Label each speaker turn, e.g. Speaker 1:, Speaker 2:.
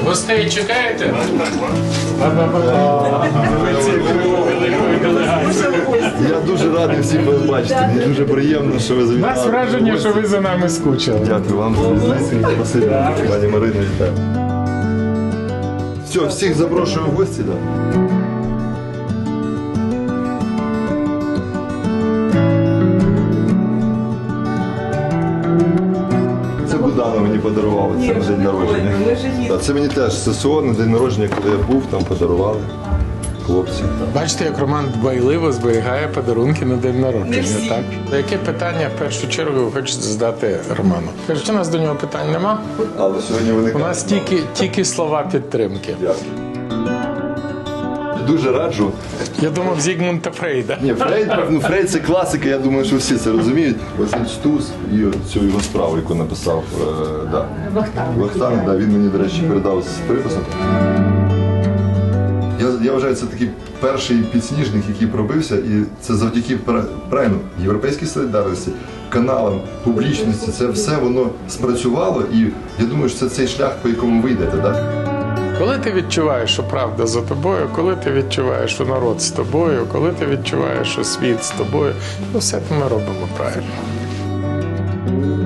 Speaker 1: Гостей чекаєте?
Speaker 2: Я дуже радий всіх вас бачити. Мені дуже приємно, що ви
Speaker 1: У
Speaker 2: завітали.
Speaker 1: нас враження, що ви за нами скучили.
Speaker 2: Дякую вам за візит. Спасибі, пані Марино, вітаю. Все, всіх запрошую в гості, так? Це Будана мені подарувала, це на день народження. Так, це мені теж ССО на день народження, коли я був, там подарували хлопці.
Speaker 1: Бачите, як Роман дбайливо зберігає подарунки на день народження, так? Яке питання в першу чергу ви хочете задати Роману? Кажуть, у нас до нього питань нема.
Speaker 2: Але сьогодні
Speaker 1: У
Speaker 2: виникає.
Speaker 1: нас тільки слова підтримки.
Speaker 2: Дякую. Дуже раджу.
Speaker 1: Я думав, Зігмунда Фрейда.
Speaker 2: Ні, Фрейд це класика, я думаю, що всі це розуміють. Ось він Стус і цю його справу, яку написав Вахтанг, він мені, до речі, передав з приписом. Я вважаю, це такий перший підсніжник, який пробився, і це завдяки правильно європейській солідарності, каналам, публічності, це все воно спрацювало, і я думаю, що це цей шлях, по якому ви йдете, так?
Speaker 1: Коли ти відчуваєш, що правда за тобою, коли ти відчуваєш, що народ з тобою, коли ти відчуваєш, що світ з тобою, то все ми робимо правильно.